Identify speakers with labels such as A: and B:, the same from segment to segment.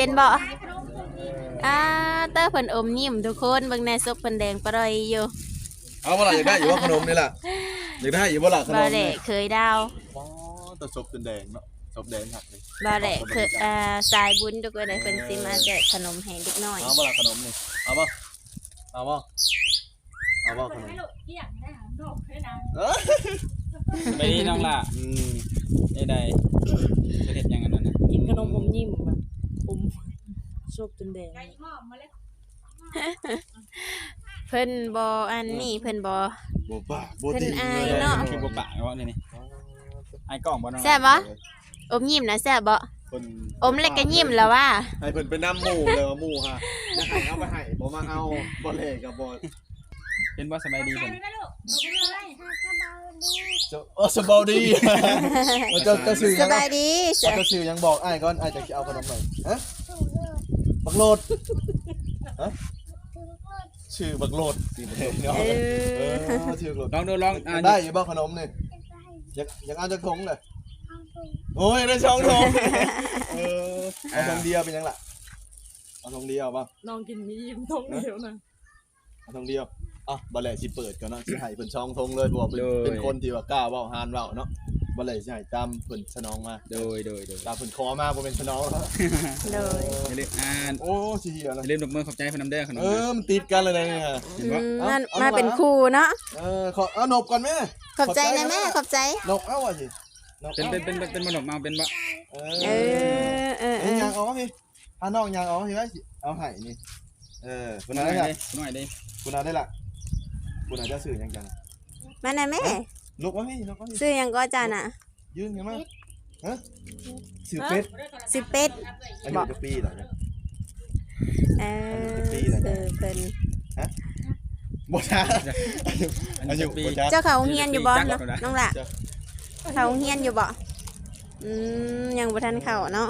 A: เป็นบ่เตอร์เพิ่นอมยิ้มทุกคนเบิ่งในซบเพิ่นแดงปร่อยอยู่
B: เอาบ่ล่ะอยากได้อยู่ว่าขนมนี่ล่ะอยากได้อยู่บ่ล่ะขนม
A: บ่ได้เคยดาว
B: อ๋อแต่ซบเป็นแดงเนาะซบแดงหักเลย
A: บ่ได้คือสายบุญทุกคนเลยเพิ่นสิมาแจกขนมให้เด็กน้อย
B: เอาบ่ล่ะขนมนี่เอาบ่เอาบ่เอาบ่ขนม
C: ไปนี่น้องล่ะได้ประเทศยังกันนั่นนะ
D: กินขนมอมยิ้มแบบอมชอบจนแดง
A: เพิ่นบ่อันนี้เพิ่นบ่
B: บ่ปากบ่ติ
A: เพิ่นอายเนาะ
C: คือบ่ปะเนาะนี่ไอ้กล้องบ่น้อง
A: แซ่บบ่อมยิ้มนะแซ่บบ่อมแล้วก็ยิ้มแล้วว่า
B: ให้เพิ่นไปนำหมู่เลยว่าหมู่ฮะอยากให้เอาไปให้บ่มาเอาบ่เล่กับบ่
C: เป็นบ่สบายดีเพิ่น
B: สบายดีจะซื้อ
A: ส
B: ยัง
A: บายดี
B: จะซื้อยังบอกอ้ายก่อนอ้ายจะเอาขนมหน่อยฮะบักโลดฮะชื่อบักโลดสิเนาะชื่อบักโลด
C: ลองดูลอง
B: ได้อยู่บ่ขนมนี่อยากเอาจักถุงเลยโอ้ยได้2ถุงเอาถุงเดียวเป็นยังล่ะเอาถุงเดียวป่ะ
D: น้องกินมียิ้มท้องเดียวนะ
B: เอาถุงเดียวบ่แลสิเปิดก่อนเนาะสิให้เพิ่น2ถุงเลยเพราะว่าเป็นคนที่ว่ากล้าเว้าหานเว้าเนาะบ่แลสิให้ตามเพิ่นสนองมา
C: โดย
B: ตามเพิ่นขอมาบ่เป็นสนอง
A: โดย
C: อย่าลืม
B: โอ้สิเหี้ยนะ
C: อย่าลืมดอกมือขอบใจเพิ่นนำเด้อขนม
B: มันติดกันเลยนะฮะ
C: เห็นบ่
A: มันมาเป็นครูเนาะ
B: ขอเอานบก่อนแม่
A: ขอบใจนะแม่ขอบใจ
B: นบเอาว่ะสิ
C: เป็นบ่ดอกมาเป็นบ่
B: ยางออกพี่น้องยางออกพี่ไว้สิเอาให้นี่คุณ
C: น้
B: นา
C: อย
B: ได้
C: เด้น้อยเด้
B: คุณนาได้ละคุณนาจะสื่อยังจัง
A: มานะแม่
B: ลุกวะพี่ลุกวะพี่
A: ซื้อหยังก็จ้าน่ะ
B: ยืนกันมาฮะสื่อเป็ด
A: สิเป็ด
B: อายุจะปีเหรอเนี่ย
A: เพิ่น
B: บ่ช้าอายุบ่ช้า
A: เจ้าเขาเฮียนอยู่บ่น้องล่ะเขาเฮียนอยู่บ่ยังบ่ทันเข้าเนาะ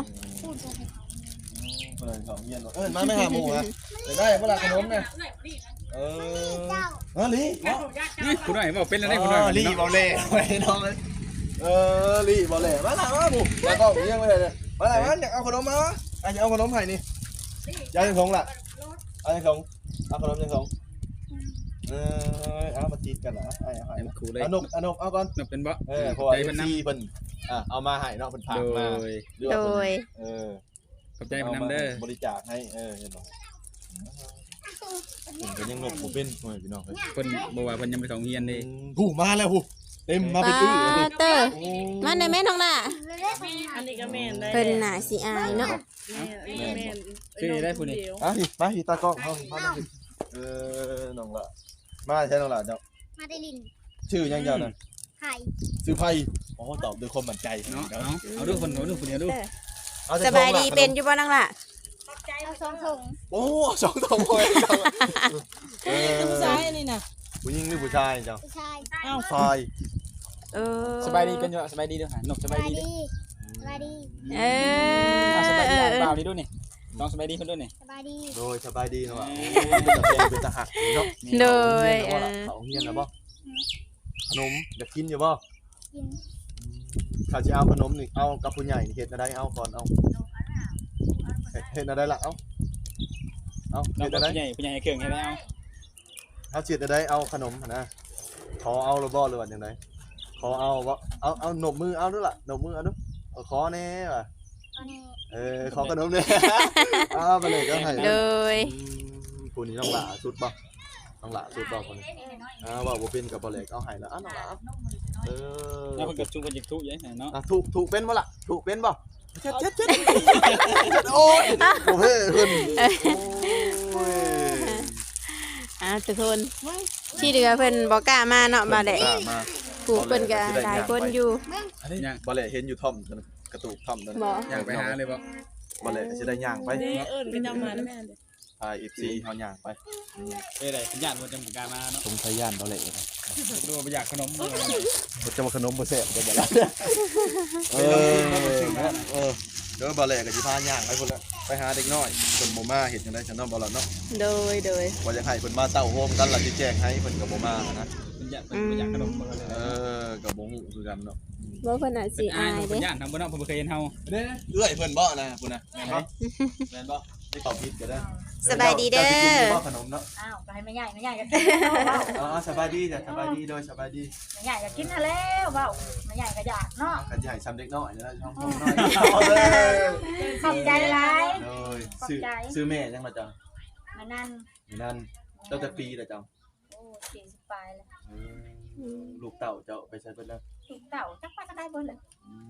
B: ของเงียนมาไม่หาหมูฮะได้เวลาขนมเนี่ยลี
C: นี่คุณน้อยบ่เป็นแล้วได้คุณน้อย
B: ลีบอลเล่ไปน้องเลยลีบอลเล่มาหน่อยมาหมูแล้วก็เลี้ยงไปเลยมาหน่อยมาอยากเอาขนมมาวะอยากเอาขนมไผ่นี่ยายยังสงล่ะยังสงเอาขนมยังสงเอามาตีกันเหรอไอ้ไอ้
C: ครูเลย
B: อนกเอาก่อน
C: เป็นบ่
B: เพราะว่าซีเพิ่นเอามาให้เนาะเพิ่นฝากมา
A: โดย
C: ขอบใจเพิ่นนำเด้อบ
B: ริจาคให้เห็นบ่ผมก็ยังนกบ่เป็นพี่น้อง
C: เพิ่นบ่ว่าเพิ่นยังไปเข้าเรียนเด้
B: ผู้มาแล้วผู้เต็มมาเป็นตื้อ
A: เตอร์มาได้แม่น้องล่ะ
D: อันนี้ก็แม่นได้
A: เพิ่นน่ะสิอายเนาะ
D: แม่น
C: ชื่อได้ผู้นี้
B: มาตากล้องเฮามาน้องละมาใช่น้องละเจ้า
E: มาได้ลิน
B: ชื่อยังเจ้าน่ะ
E: ไข่
B: ชื่อไผอ๋อตอบด้วยความมั่นใจ
C: เนาะเอาดูคนดูผู้นี้ดู
A: สบายดีเป็นอยู่บ่น้องล่ะ
E: เอาสองถุง
B: โอ้2ถุงเลย
D: ผู้ชายนี่น่ะ
B: ผู้หญิงหรือผู้ชายเจ้า
E: ผู้ชาย
D: อ้าว
B: ชาย
C: สบายดีเป็นอยู่สบายดีด้วยนกสบายดี
E: สบายดี
C: สบายดีเปล่านี่ดูนี่น้องสบายดีเพิ่นด้วยนี่
E: สบายดี
B: โดยสบายดีเนาะเป็นตาหักเนาะ
A: โดย
B: เขาเฮียนแล้วบ่ขนมอยากกินอยู่บ่
E: กิน
B: ข้าจะเอาขนมนี่เอากับผู้ใหญ่เฮ็ดอะไรเอาก่อนเอาเฮ็ดอะไรล่ะเอา
C: น้อง
B: เฮ็ดอะไร
C: ผู้ใหญ่เครื่องให้ได้เอา
B: เฮ็ดอะไรเอาขนมนะขอเอาหรือบ่หรือว่าจังไดขอเอาบ่เอาหนบมือเอาด้วยล่ะหนบมือเอาด้วยขอแน่ว่ะ
E: ตอนนี้
B: ขอขนมเลยไปเลยก็ให้
A: โดย
B: ผู้นี้ต้องหล่าสุดบ่ต้องหล่าสุดบ่คนนี้ว่าบ่เป็นกับบ่แลกเอาให้แล้วน้องหล่า
C: แล้วเพิ่นก็จุกกันจิกทุกอย่างเนาะ
B: ถูกเป็นบ่ล่ะถูกเป็นบ่เจ็ดโอ้ยโอ้เฮ้เพิ่น
A: ทุกคนที่เหลือเพิ่นบ่กล้ามาเนาะมาได้ผู้เพิ่นก็หลายคนอยู่
B: บ่แลเห็นอยู่ท่อมกระตูกท่อมนั่น
C: อยากไปหาเลย
B: บ่แลสิได้ย่างไป
D: ก็จำมาแม่น
B: FC เฮาย่างไป
C: ได้สัญญาณว่าจะบ่กล้ามาเนาะ
B: สงสัยย่านบ่แล
C: ดูบ่อยากขนม
B: บ่จะมาขนมบ่แซ่บก็บ่ล่ะเดี๋ยวบ่แลก็สิพาย่างไปพุ่นละไปหาเด็กน้อยเพิ่นบ่มาเฮ็ดจังได๋ฉันเนาะบ่ล่ะเนาะ
A: โดย
B: ว่าจะให้เพิ่นมาเต้าโฮมกันล่ะสิแจ้งให้เพิ่นก็บ่มานะ
C: อยากเป็นบ่อยากขนมบ่เลย
B: กับบ่ฮู้คือกันเนาะ
A: บ่เพิ่นอาจสิ
C: เป็นอาย
A: อาย
C: เพิ่
A: เด้
C: นย่านทำบ่เนาะเพิ่นบ่เคยเห็นเฮา
B: เด้เอื้อยเพิ่นบ่นะพุ่นน่ะแม่นบ่แม่นบ่ได้ตอบผิดก็ได้
A: สบายดีเด้อ
B: บ่ขนมเนาะ
F: อ้าวไปให้แม่ใหญ่ก็กิน
B: อ๋อสบายดีจ้ะสบายดีโดยสบายดี
F: แม่ใหญ่ก็กินแล้วเว้าแม่ใหญ่ก็อยากเนาะ
B: กันสิให้ซ้ำเด็กน้อยนะช่องน้อยเอาเลย
F: ขอบใจหลาย
B: โดยซื้อแม่จังล่ะจ้ะ
F: มานั่น
B: นั่นเจ้าจะปีล่ะจ้ะ
F: โอ้40ปลายแล้ว
B: ลูกเต่าเจ้าไปใช้เพิ่นแล้ว
F: ลูกเต่าจักว่าจะได้เบิ่เลย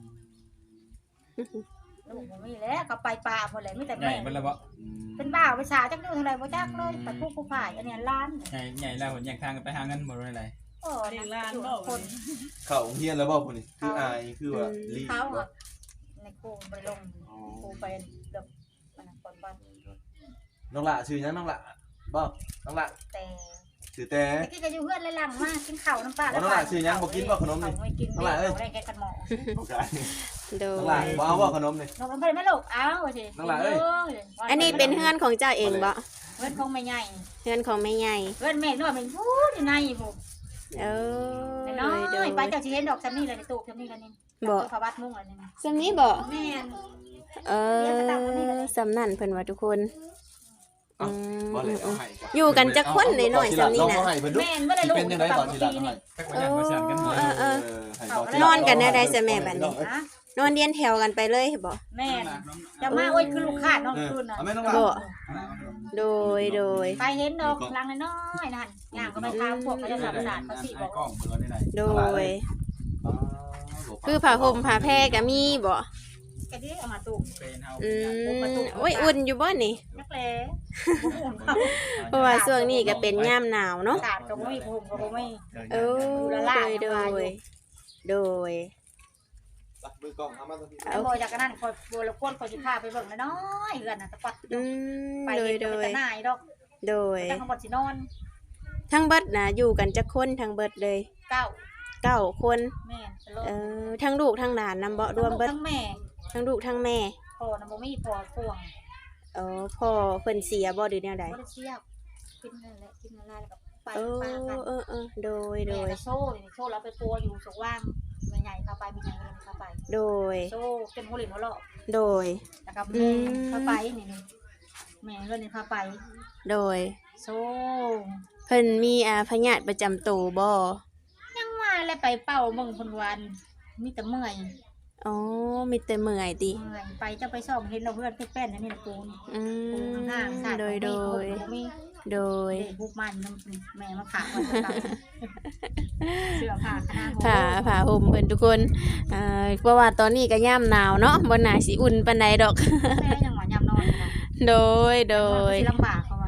F: ลูกบ่มีแล้วก็ไปป่าหมดเลยมีแต่
C: ใหญ่
F: แม่
C: เบิ่นแล้วบ่
F: เป็นบ้าไปสาจักดูเท่าไหร่บ่จักเลยไปผู้ฝ่ายอันนี้ล้าน
C: ใหญ่แล้วเพิ่นแยกทางกันไปหาเงินบ่ได้ไร
F: โอ้คน
B: เข้าโรงเรียนแล้วบ่พุ่นนี่คืออายคือว่าลี
F: เขาในครูไปลงครูไปเลิกมันคนบ้าน
B: น้องละชื่อยังน้องละบ่น้องละ
F: แต่
B: ชื่อแต่
F: ตะกี้ก็อยู่เพื่อนเลยหลังมากินข้าวน้ำปลา
B: น้องละชื่อยังบ่กินบ่ขนมนี่
F: ไม่กินน้องละเอ้ยได้แค่กันหมอ
B: โอเค
A: โด
B: น้องละ
A: ย
B: บ่เอาบ่ขนมนี่
F: น้องไม่ได้ไม่ลูกอ้าวสิ
A: อันนี้เป็นเฮือนของเจ้าเองบ่
F: เพื่อนคงไม่ใหญ่
A: เฮือนของแม่ใหญ่
F: เพื่อนแม่นวดเป็นพูดอยู่ในผม
A: เออ
F: น้อย
A: โดย
F: ไปเจ้าสิเห็นดอกซัมนี่เลยในตู้ซัมนี่กันนี่
A: บ่
F: พระวัดมุ่งอะไรนี่
A: ซำนี้บ่
F: แม่น
A: เออสำนั่นเพิ่นว่าทุกคนอืม
B: บ่เลยเอาให้
A: อยู่กันจักคนหน่อยๆซำนี้น่ะ
B: ให้เพิ่นดู
F: แม่นไม่ได้ลูก
B: เป็นจังได๋บ่สิล่ะให้
C: จักว่าย่านบ่สั่นกันบ่
A: นอนกันได้ซะแม่บัดนี้
F: นะ
A: นอนเรียนแถวกันไปเลยบ่
F: แม่นจะมาโอ้ยคือลูกค้าน้องคืนน่ะ
B: เอาแม่น้องละ
A: บ่โดย
F: ไปเห็นดอกลังน้อยนั่นย่างก็ไปทางพวกเขาจะทำสารเขาสิบอก
C: กล้องบ่ได้ไร
A: โดย คือผ้าห่มผ้าแพรก็มีบ่
F: แกดิเอามาตู้
C: เคยเห็นเฮา
A: อืมโอ้ยอุ่นอยู่บ่นี่
F: นักแล้หุ่นเขา
A: เพราะว่าช่วงนี้ก็เป็นยามหนาวเนาะ
F: สารก็ไม่ผมก็ไม่
A: เออโดย
B: ตักมือกล้องเอามาตรงนี้
F: เอาโมยจากนั้นคอยบัวละก้นคอยสิพาไปเบิ่งน้อยเฮือนน่ะตะปัด
A: อืม
F: ไป
A: โดย
F: เห็นแต่นายดอก
A: โดย
F: แต่ข้างบนสินอน
A: ทั้งเบิดน่ะอยู่กันจักคนทั้งเบิดเลย
F: เก้า
A: 9คน
F: แม่สลบ
A: ทั้งลูกทั้งหลานนำบ่รวมเบิด
F: ทั้งแม่
A: ทั้งลูกทั้งแม่
F: พ่อน่ะบ่มีพ่อพ่วง
A: พ่อเพิ่นเสียบ่หรือแนวใด
F: บ่ได้เชียบกินนั่นแหละกินนั่นแล้วก็ไป
A: เอ
F: ปากัน
A: อโดย
F: แม่ก็โซ่แล้วไปปัวอยู่สว่างแม่ใหญ่พาไปแม่ใหญ่พาไป
A: โดย
F: โซ่เป็นหัวหลินหัวเลาะ
A: โดย
F: แล้วก็แม่พาไปนี่แม่เรื่องนี้พาไป
A: โดย
F: โซ่
A: เพิ่นมีพยาธิประจำตัวบ่
F: ยังมาแล้วไปเป่าเบิ่งคนวันมีแต่เมื่อย
A: อ๋อมีแต่เมื่อยติ
F: เมื่อยไปจะไปซ่อมเห็นเราเพื่อนแป้นๆนี่นะปูน
A: อื
F: ปูน
A: ม
F: ห่างสาด
A: โดย
F: มี
A: โดย
F: เด็กบุกมันแม่มาขาคนเก่าเสื้อผ้าคณะ
A: ผ้าห่มเพิ่นทุกคนเพราะว่าตอนนี้ก็ยามหนาวเนาะบ่น่าสิอุ่นปานใดดอก
F: แม่ยังหวานยำนอนนะ
A: โดย
F: ลำบากเขาว่า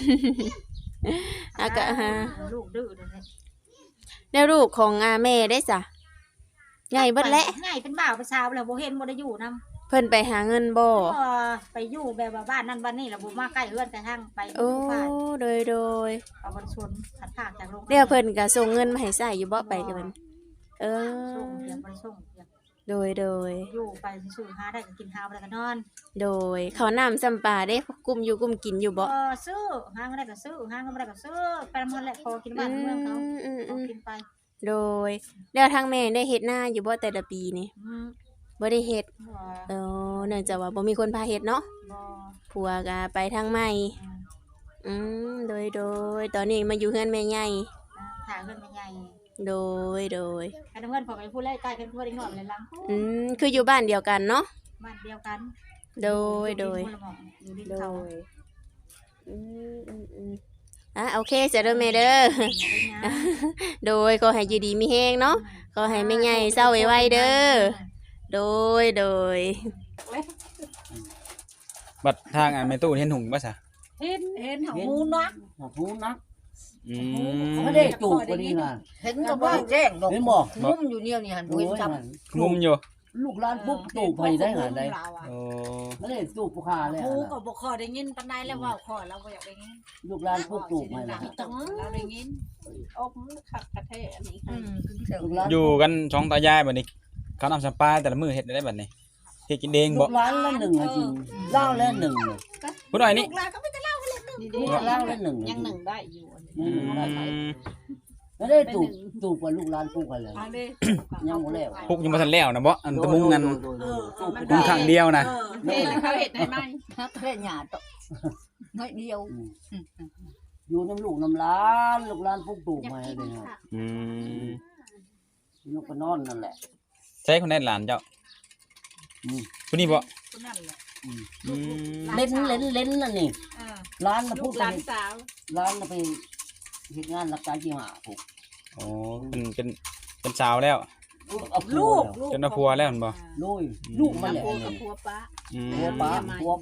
A: ก็
F: ลูกดื้อเลย
A: แล้วลูกของแม่ได้ซะใหญ่เบิดแล้ว
F: ใหญ่เป็นบ่าวเป็นสาวแล้วบ่เห็นบ่ได้อยู่นำ
A: เพิ่นไปหาเงินบ่
F: ไปอยู่แบบว่าบ้านนั่นบ้านนี่แล้วบ่มาใกล้เฮือนแต่ทางไป
A: โอ้โดย
F: เอาบ่ชวนขัดผากจากโรง
A: เดี๋ยวเพิ่นก็ส่งเงินมาให้ใช้อยู่บ่ไปกับเพิ่น
F: ส่งเดี๋ยวบ่ส่ง
A: โดย
F: อยู่ไปซื้อหาได้ก็กินข้าวแล้วก็นอน
A: โดยเขาวน้ำซ้ำปลาได้กุมอยู่กุมกินอยู่บ่
F: ซื้อหาก็ได้ก็ซื้อหาก็บ่ได้ก็ซื้อไปนำมันแหละพอกินบ้านเมืองเขากินไป
A: โดยแล้วทางแม่ได้เฮ็ดนาอยู่บ่แต่ละปีนี่บ่ได้เฮ็ดเนื่องจากว่าบ่มีคนพาเฮ็ดเนาะผัวก็ไปทางใหม่โดยตอนนี้มาอยู่เฮือนแม่ใหญ่
F: หาเงินใหญ่
A: โดย
F: อันนั้นเงินพอไปพูดไล่ใกล้กันพูดได้หน่อยเลยลัง
A: คืออยู่บ้านเดียวกันเนาะ
F: บ้านเดียวกัน
A: โดย
F: อยู่ดินเขา
A: โอเคเสร็จแล้วแม่เด้อ โดยขอให้อยู่ดีมีแฮงเนาะขอให้แม่ใหญ่เศร้าไวๆเด้อโดย
C: บัดทางแม่ตู้เห็นหุงบ่ซะ
F: เห็นของมูนัก
G: หูนัก
C: อืม
G: ไม่ได้จูบวันนี้นะ
D: เห็นก็บ่แจ้งดอก
G: เห็นบอก
D: มุมอยู่เนี่ยนี่หั่นบ่เห็นจับ
C: งุมอยู่
G: ลูกหลานปุ๊บจูบไปได้หาได้
C: โอ้
G: ไม่ได้จูบผู้คาเลย
D: หูก็บ่ค่อยได้ยินปานใดแล้วเว้าขอเราบ่อยากได้ยิน
G: ลูกหลานปุ๊บจูบไปนะ
D: เราได้ยินอมคักกะแท้อันนี้
G: ลูกหลาน
C: อยู่กันสองตายายบัดนี้เขานำสัมปลาแต่ละมื้อเฮ็ดได้บัดนี้เฮ็ดกินเอง
G: ลู
C: บ่
G: กหลานละหนึ่งจริงเล่าละหนึ่ง
C: ผู้น้อยนี่
D: ลูกหลานก็ไม่ได้เล่าเลย
G: ลูกหลานละหนึ่ง
D: ยังหนึ่งได้อยู่
C: อืม
G: แล้วได้ตูบกับลูกหลานปลูกกันเลยยังบ่แล้ว
C: พวกยังบ่ทันแล้วนะบ่อันตะมุงกัน
G: ตูบ
C: มุงข้างเดียวนะ
H: เฮ็ดเขาเฮ็ดได้ไหม
F: เฮ็ดหยาตน้อยเดียว
G: อยู่น้ำลูกน้ำหลานลูกหลานปลูกตูบมาเลยฮะ
C: อืม
G: ลูกก็นอนนั่นแหละ
C: ใช่คนได้หลานเจ้าผู้นี้บ่
H: คนนั้นแหละ
C: อืม
G: เล่นนั่นนี่
H: เออ
G: ร้านน่ะ
H: ลู
G: พูด
H: กหลานสาว
G: ร้านน่ะไปเฮ็ดงานรับการที่หาผูก
C: โอ้เป็นสาวแล้ว
G: เอา
H: ลูก
C: จนว่าผัวแล้วเห็นบ่
G: ลูกมันแหละ
H: ผัวกับผัวป้า
C: อืม
G: ผัวป้า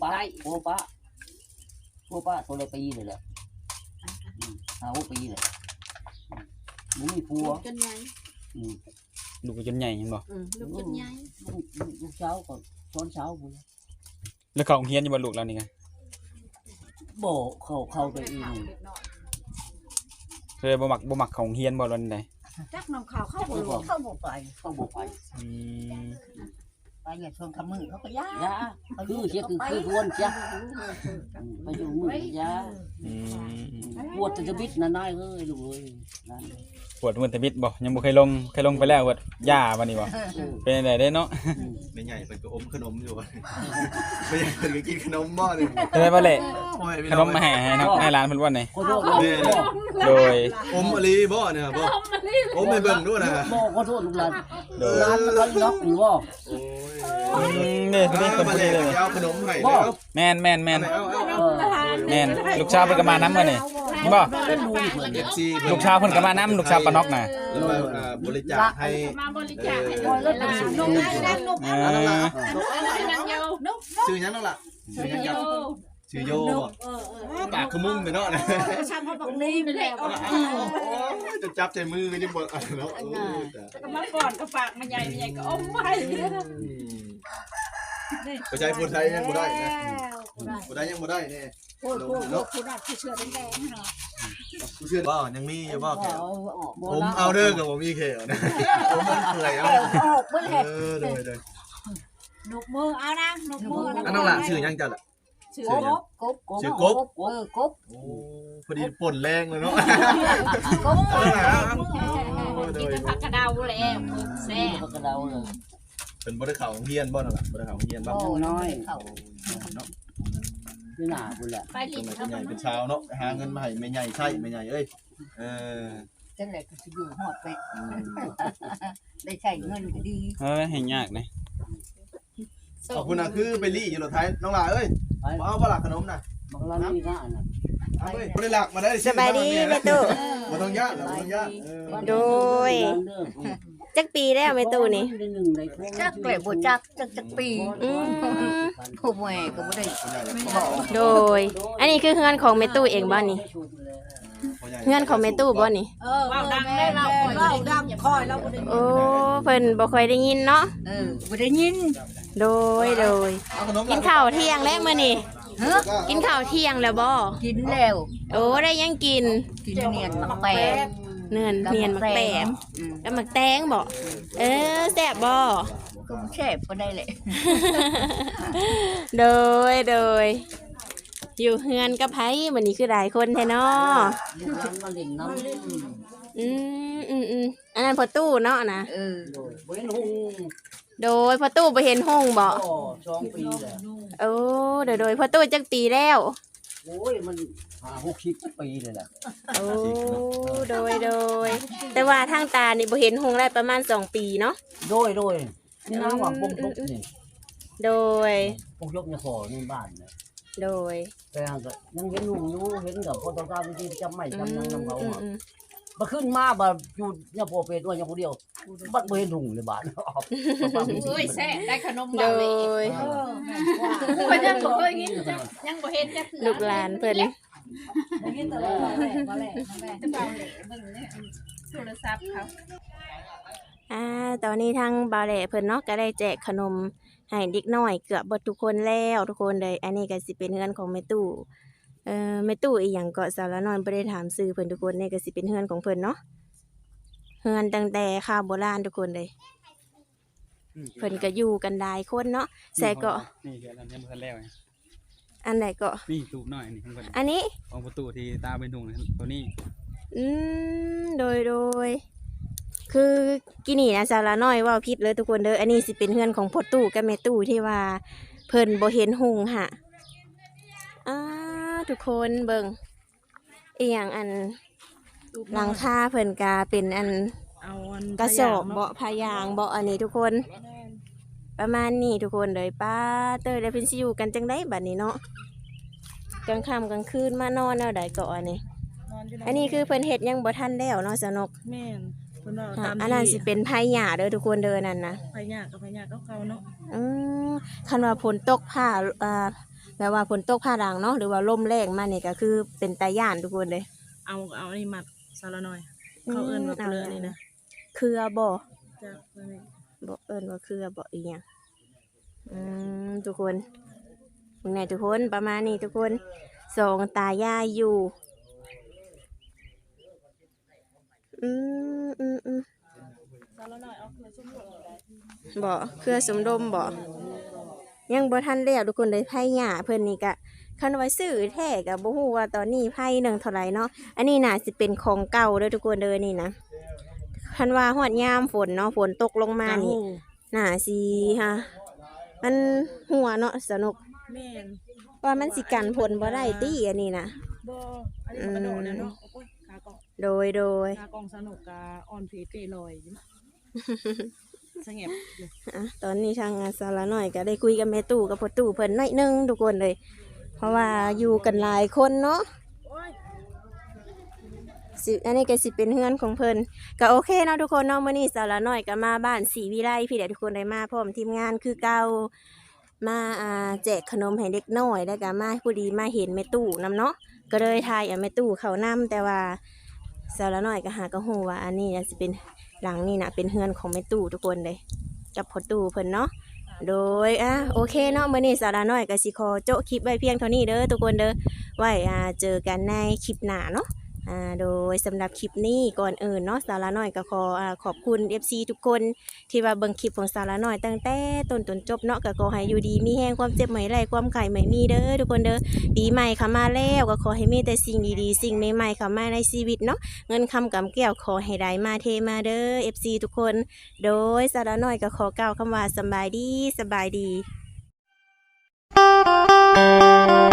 G: ตัวละปีเลยแหละ5-6 ปีเลยมันมีผัว
H: จนใหญ่
C: ลูกก็จนใหญ่เห็นบ่
H: ลูกจนใหญ่
G: ลูกเช้าก็ตอนเช้าพุ่น
C: แล้วเขาโรงเรียนอยู่บ่ลูกเรานี่ไง
G: บ่เข้าไปเอง
H: เด็กน้อย
C: เคยบ่มักเขาโรงเรียนบ่วันใด
H: จักน้องข่าวเข้าบ่รู้
G: เข้าบ่ไป
C: อืม
F: ไปอย่าชวนคำมือเขาก็ยาก
G: ยาคือเสียคือทวนจ้ะไปอยู่มือยา
C: อืม
G: ปวดจะบิดนายเอ้ยลูกเอ้ยนั่น
C: ปวดมือตะบิดบ่ยังบ่เคยลงไปแล้วปวดย่าบัดนี้บ่เป็นจังได๋เด้เนาะ
B: ไม่ใหญ่เพิ่นก็อมขนมอยู่ไม่ใหญ่เพิ่นก็กินขนมบ่นี่
C: เป็นไดบ่แหละ
B: โอ้ย
C: ขนมมาให้เนาะให้หลานเพิ่นบ่นี่
G: ขอโทษลูก
C: โดย
B: อมอลีบ่เนี่ยบ่อมให้เบิ่งด้วยนะ
G: บ่ขอโทษลูกหลาน
C: โดย
G: หลานมันล็อกอยู่บ่
B: โอ้ย
C: นี่คนนี้คน
B: มา
C: นี้
B: เลย
C: เลย
B: เอาขนมให้แล้ว
C: แม่น
B: เอา
C: แม่นลูกชาวเพิ่นก็มานํมื้อนี่บ่
G: เป็นลูกเพิ่น
B: เอฟซี
C: ลูกชาวเพิ่นก็มานํลูกชาวปานอกน่ะ
B: แล้วมาบริจาคให้
H: มาบริจาคให้
G: คอยแล้วเป็นสิ่งที่ดี
C: เอ
B: นั่นล่ะ
H: นั่งเยาวนก
B: ชื่อหยังนั่นล่ะชื่อหยังครับชื่อโยบ่ปากขมุ้งไปเนาะนะ
H: ฉันเขาบอกนี่แหละ
B: จะจับใจมือนี่บ่เนาะ
H: ก็มาก่อนก็ฝากมาใหญ่ก็อมไว้
B: ผู้ชายผู้ไทยยังบ่ได้นะผู้ไทยยังบ่ได้แน่
H: โอ้โหผู้ได้ผู้เชื่อแดงๆเนาะ
B: ผู้เชื่อบ่ยังมีอยู่บ่แขว
G: บ่
B: ผมเอาเด้อกับผมมีแขวนะผมมันเปื่อยเอา
F: ออกเบิ่งแหละ
B: เลย
H: นกมือเอานะนกมือ
B: อันนั้นล่ะชื่อหยังจัดล่ะ
H: ชื่อ
B: ชื่อหยัง ชื่อกบ
F: กบ
B: โอ้พอดีป่นแรงเลยเนาะ
F: กบ
B: เอาล่ะ
H: กินเป็นผักกระเดาแล้วแซ่บ
G: บ่กระเดาเลย
B: เป็นบ่ได้เข้าโรงเรียนบ่นั่นล่ะบ่ได้เข้าโรงเรียนบ่
G: โอ้น้อย
F: เขา
B: เนาะ
G: พี่หน้าพุ่นแหละ
H: ไป
B: เป็
H: ลิ้
B: น
H: น
B: ใหญ่เป็นชาวเนาะหาเงินมาให้แม่ใหญ่ใช่แม่ใหญ่เอ้ยเออ
F: จังได๋ก็สิอยู่ฮอดไปได้ใช้เงินก็ดี
C: เห็นยากนะ
B: ขอบคุณนะคือไปลี่อยู่รถไทยน้องหลาเอ้ย
G: ไป
B: มาเอาบ่ล่ะขนมน่ะ
G: บางร้านมีหน้าน่ะ
B: เอาเอ้ยบ่ได้หลักมาได้
A: สบายดีแม่ตู้
B: บ่ต้องย่านบ่ต้องย่าน
A: โดย จักปีแล้วแม่ตู้นี่
F: จักแหละบ่จักจักปี
A: อืม
F: ผู้แม่ก็บ่ได้
A: โดย อันนี้คือเฮือนของแม่ตู้เองบ่นี่เฮือนของแม่ตู้บ่นี่
H: ว้าวดังได้เราว้าวดังคอยเราบ่ได้
A: โอ้เพิ่นบ่ค่อยได้ยินเนาะ
F: บ่ได้ยิน
A: โดย
B: เอาขนม
A: กินข้าวเที่ยงแล้วมื้อนี้กินข้าวเที่ยงแล้วบ่
F: กินแล้ว
A: โอ้ได้ยังกิน
F: กินเนียนมักแปง
A: เนียนมักแตงแล้วมักแตงบ่แซ่บบ่
F: ก็แซ่บบ่ได้แหละ
A: โดยอยู่เฮือนกับไผมื้อนี้คือหลายคนแท้เนาะ
G: ลูกหลานมาเล่นน้ำ
A: อันนั้นพอตู้เนาะนะ
G: โดยบ่เห็นหุง
A: โดยพอตู้บ่เห็นห้องบ่
G: ก็2 ปีแล้ว
A: โอ้โดยพอตู้จักปีแล้ว
G: โอ้ยมัน60 ปีเลยแหละ
A: โอ้โดยแต่ว่าทางตานี่บ่เห็นห้องได้ประมาณ2 ปีเนาะ
G: โดยนี่น้าว่าปงยกนี่
A: โดย
G: ปงยกเนี่ยขอในบ้านเนี่ย
A: โดย
G: แต่ก็ยังเห็นลุงอยู่เห็นกับพอต้องการที่จำไม่จำยังนำเขา
A: อื
G: อะ
A: ม
G: มาขึ้นมาบ่อยู่เนี่ยพอเป็ดว่าอย่างคนเดียวบัดบ่เห็นลุงเลยบ้าน
H: เอ้ยแซ่บได้ขนม
A: โด
H: บ่เลย
A: ย
H: คนยังบ่เคยกินยังบ่เห็นจัก
A: ลูกหลานเพิ่น
H: บ่เห็นตลอดแม่บ่แลจะเบาเลยเบิ่งเนี่ยโทรศัพท์เขา
A: ตอนนี้ทางบ่าวแหล่เพิ่นเนาะก็ได้แจกขนมให้เด็กน้อยเกือบเบิดทุกคนแล้วทุกคนเลยอันนี้ก็สิเป็นเฮือนของแม่ตู้แม่ตู้อีหยังก็สารน้อยบ่ได้ถามชื่อเพิ่นทุกคนนี่ก็สิเป็นเฮือนของเพิ่นเนาะเฮือนตั้งแต่ข้าวโบราณทุกคนเลยเพิ่นก็อยู่กันหลายคนเนาะใส่ก็
C: นี่คืออันนี้บ่ทันแล้ว
A: อันไหนก็
C: นี่ตูบน้อยนี่ของเพิ่น
A: อันนี้
C: ของประตูที่ตาเป็นถุงตัวนี้
A: อืโดยคือกินี่นะสาระน้อยเว่าผิดเลยทุกคนเด้ออันนี้สิเป็นเฮือนของพ่อตู่กับแม่ตู่ที่ว่าเพิ่นบ่เห็นหุงหะทุกคนเบิ่งอีหยังอันหลังคาเพิ่นกาเป็นอัน
D: เอาอัน
A: กระสอบ
D: พยาง
A: เบาะพายางเบาะอันนี้ทุกคนประมาณนี้ทุกคนเลยป้าเตยได้เพิ่นสิอยู่กันจังได๋บัดนี้เนาะกลางค่ำกลางคืนมานอนแนวใดก็อันนี้
D: นอนอยู่
A: อันนี้คือเพิ่นเฮ็ดยังบ่ทันแล้วเนาะสนก
D: แม่นเพิ่นว่า
A: ค่ะ
D: ตาม
A: อันนั้นสิเป็นไผหญ้าเด้อทุกคนเด้อนั่นนะ
D: พยากกับพยากเก่าๆเนาะ
A: อืมคันว่าฝนตกผ้าแบบว่าฝนตกผ้าด่างเนาะหรือว่าลมแรงมานี่ก็คือเป็นตาย่านทุกคนเลย
D: เอาอันนี้มัดซาละหน่อยเขาเอิ้นว่าเปลือกนี่นะ
A: เครือบ่
D: จ้ะเพิ่นนี่
A: บ่เอิ้นว่าเครือบ่อีหยังทุกคนมึงไหนทุกคนประมาณนี้ทุกคนสองตายายอยู่อืม
D: ซาละหน่อยเอาเครือชุ่มหลงได้
A: บ่เครือสมดมบ่ยังบ่ทันแล้วทุกคนเลยไผหญ้าเพิ่นนี่ก็คันว่าซื้อแท้ก็บ่ฮู้ว่าตอนนี้ไผหนึงเท่าไหร่เนาะอันนี้น่าสิเป็นของเก่าเด้อทุกคนเด้อนี่นะคันว่าฮอดยามฝนเนาะฝนตกลงมานี่น่าสิฮะมันหัวเนาะสนุก
D: แม่น
A: ว่ามันสิกันผลบ่ได้ติอันนี้นะ
D: บ่อันนี้มันกระโดดแล้วเนาะโอ้ยขากล่อง
A: โดย
D: ขากล่องสนุกกะอ่อนเพเปลอยอยู่สงบอยู่
A: ตอนนี้ทางงานสาระหน่อยก็ได้คุยกับแม่ตู่กับพ่อตู่เพิ่นหน่อยหนึงทุกคนเลย เพราะว่าอยู่กันหลายคนเนาะ
D: โอ้ย
A: อันนี้ก็สิเป็นเฮือนของเพิ่นก็โอเคเนาะทุกคนเนาะมื้อนี้สาระหน่อยก็มาบ้านศรีวิไลพี่เด็กทุกคนได้มาพร้อมทีมงานคือเก่ามาแจกขนมให้เด็กน้อยแล้วก็มาผู้ดีมาเห็นแม่ตู่นํเนาะก็เลยทายแม่ตู่เขานํแต่ว่าสาระหน่อยก็หาก็ฮู้ว่าอันนี้น่ะสิเป็นหลังนี่น่ะเป็นเฮือนของแม่ตู่ทุกคนเลยกับพ่อตู่เพิ่นเนาะโดยโอเคเนาะมื้อนี้สาระน้อยก็สิขอโจะคลิปไว้เพียงเท่านี้เด้อทุกคนเด้อไว้เจอกันในคลิปหน้าเนาะโดยสำหรับคลิปนี้ก่อนอื่นเนาะสาระน้อยก็ขอบคุณ FC ทุกคนที่ว่าเบิ่งคลิปของสาระน้อยตั้งแต่ต้นจนจบเนาะก็ขอให้อยู่ดีมีแห้งความเจ็บไม่ไรความไข่ไม่มีเด้อทุกคนเด้อปีใหม่เข้ามาแล้วก็ขอให้มีแต่สิ่งดีๆสิ่งใหม่ๆเข้ามาในชีวิตเนาะเงินคำกำแก้วขอให้ได้มาเทมาเด้อ FC ทุกคนโดยสาระน้อยก็ขอกล่าวคำว่าสบายดี